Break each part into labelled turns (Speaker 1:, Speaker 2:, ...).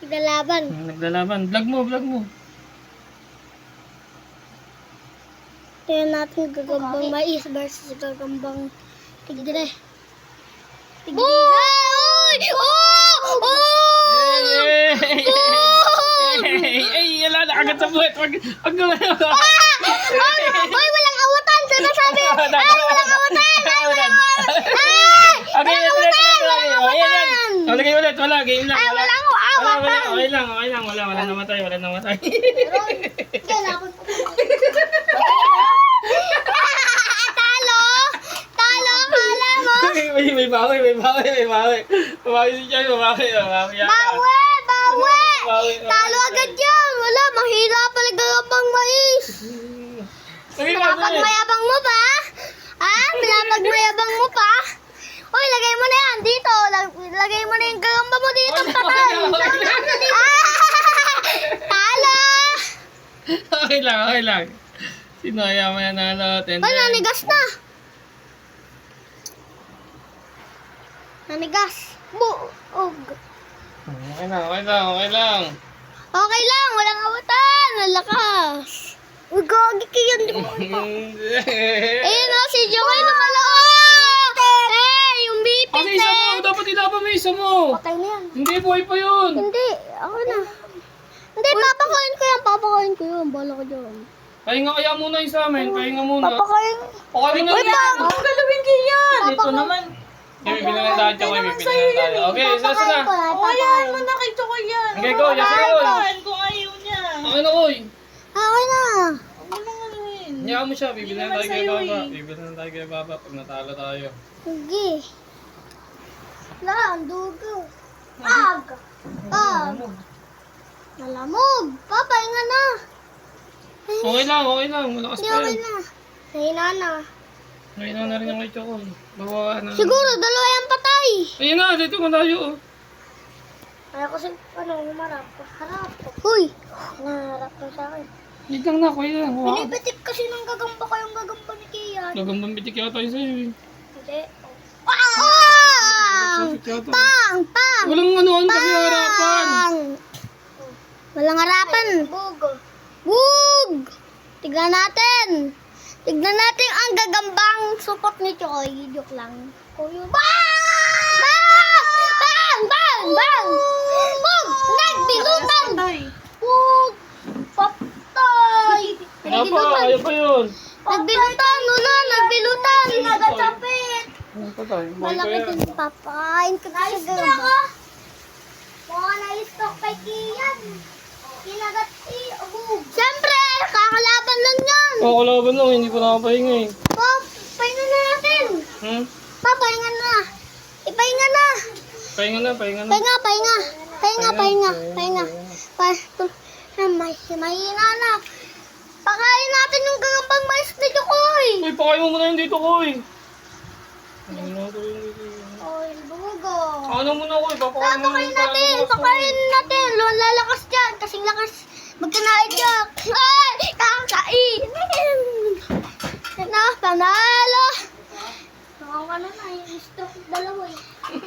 Speaker 1: Naglalaban.
Speaker 2: Naglalaban. Vlog mo, vlog mo.
Speaker 1: Tingnan natin gagambang mais versus gagambang tigre. Tigre. Uy! Oh! Oh!
Speaker 2: Ay, yala na agad sa buhat. Wag na.
Speaker 1: Uy, walang awatan! Sinasabi! Ay, walang awatan! Ay, walang awatan! Ay!
Speaker 2: Okay,
Speaker 1: awatan!
Speaker 2: Lagay ulit, wala. Game lang.
Speaker 1: Ay, walang awatan!
Speaker 2: Okay lang. Wala namatay.
Speaker 1: Kailangan ko. Talo! Talo! Kala mo?
Speaker 2: May bawi. Bawi si Chay, bawi.
Speaker 1: Bawi! Talo agad yan! Wala, mahila pala gagambang mais! Pinapagmayabang mo pa? Ha? Pinapagmayabang mo pa? Uy, lagay mo na yan dito. Lagay mo na yung gagamba mo dito, patay. Talo!
Speaker 2: Okay lang. Sino kaya may nanalo?
Speaker 1: Uy, nanigas na. Nanigas. Buog.
Speaker 2: Okay lang.
Speaker 1: Okay lang, walang awatan. Ang lakas. Uy, gagi kayo. Ayun o, si Joey lumalaot. Yung bipit
Speaker 2: Kasi isa mo, dapat ilaban mo isa mo.
Speaker 1: Patay na yan.
Speaker 2: Hindi, buhay pa yun.
Speaker 1: Hindi, ako na. Hindi, papakain ko yan. Bala ko dyan.
Speaker 2: Pahinga kaya muna yung sa amin, pahinga muna.
Speaker 1: Papakain.
Speaker 2: Okay na yan.
Speaker 3: Ang galawin kiyan. Ito naman.
Speaker 2: Bibili tayo, Okay, isa na.
Speaker 3: O yan, mo na kay Chokoy yan.
Speaker 2: Okay, go, Yasin.
Speaker 3: Kung ayaw niya.
Speaker 2: Okay na, Koy.
Speaker 1: Okay na.
Speaker 3: Huwag mo nang anuhin.
Speaker 2: Hayaan mo siya, bibili na
Speaker 3: naman
Speaker 2: tayo kay
Speaker 3: sa'yo
Speaker 2: Baba.
Speaker 3: eh.
Speaker 2: Bibili na tayo kay Baba pag natalo tayo.
Speaker 1: Sige. Lang, dugo. Ag. Malamog. Papahinga na.
Speaker 2: Okay lang. Malakas
Speaker 1: Hindi,
Speaker 2: pa
Speaker 1: okay
Speaker 2: yan.
Speaker 1: na. Nahina na.
Speaker 2: Ngayon na rin yung kay Chokoy. Bawa na.
Speaker 1: Siguro, dalawa yung patay.
Speaker 2: Ayun na, dito mo tayo.
Speaker 1: Kaya kasi, humarap. Harap. Huy. Naharap na sa akin.
Speaker 2: Hindi lang na, Koy lang.
Speaker 1: Pinipitik kasi ng gagamba ko yung gagamba ni Kian.
Speaker 2: Gagambang bitik yata yun sa'yo eh.
Speaker 1: Hindi. Pang!
Speaker 2: Sakit yata.
Speaker 1: Pang!
Speaker 2: Walang anuhan kasi harapan.
Speaker 1: Walang harapan. Bug! Tignan natin ang gagambang supot ni Choy. Joke lang. Bang! Bang! Bug! Nagbilutan! Bug! Patay!
Speaker 2: Ayaw pa yun.
Speaker 1: Nagbilutan! Nagbilutan! Nagachapit!
Speaker 2: Ano pa tayo? Buhay pa
Speaker 1: Malaki
Speaker 2: yan.
Speaker 1: din papain ko sa gagamba. Mga na-stock kay Kian. Kinagat si Bug. Siyempre! Kakalaban lang yan!
Speaker 2: Kalaban lang, hindi pa nakapahinga eh.
Speaker 1: Pahinga na natin! Pahinga na! Ipahinga na!
Speaker 2: Pahinga na.
Speaker 1: Pahinga. Mahina na. Pakain natin yung gagambang mais ni Chokoy.
Speaker 2: Uy, pakain mo muna yun dito, Koy.
Speaker 1: Oy, bugo.
Speaker 2: Ano muna, Koy? Papakain mo
Speaker 1: Pakain natin. Lalakas dyan. Kasing lakas. Magkanaid dyan. Ay! Kakain! Panalo! Nakakano na. Yung stroke dalawa eh.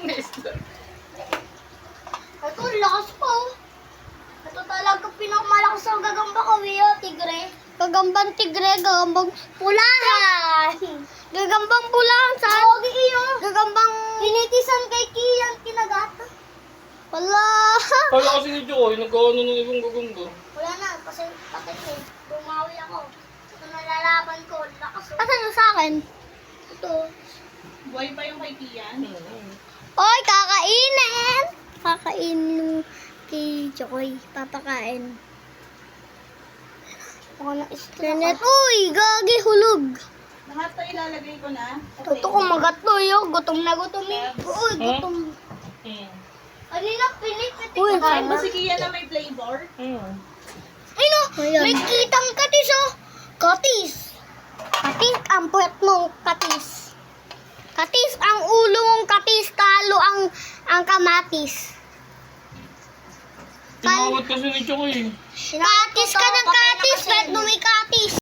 Speaker 1: Ito, lakas po. Ito talaga pinakamalakas ang gagamba ko, tigre. Gagambang tigre, gagambang pulahan. Gagambang pulahan, saan? Gagambang pinitisan kay Kian, kinagata. Wala.
Speaker 2: Kala kasi ni Joy, nagkaano ng ibang gagamba.
Speaker 1: Wala na, kasi patay ko. Bumawi ako. Ito nalalaban ko, lakas. Asan yung sa akin? Ito.
Speaker 3: Buhay pa yung kay Kian.
Speaker 1: Oy, kakainin! Kakainin kay Chokoy. Papakain. Ako na iskanet. Uy, gagi hulog.
Speaker 3: Lahat to ilalagay ko na.
Speaker 1: Toto ko magatlo yun. Gutom na gutom eh. Uy, gutom. Kanina pinipitik. Uy,
Speaker 3: Kain mo si Kian na may flavor.
Speaker 1: Ay no, may kitang katis oh. Katis. Katis ang puwet mong katis. Katis ang ulo mong katis. Talo ang kamatis.
Speaker 2: Tinawad kasi ni Choy.
Speaker 1: Katis ka ng katis. Pwede mo may katis.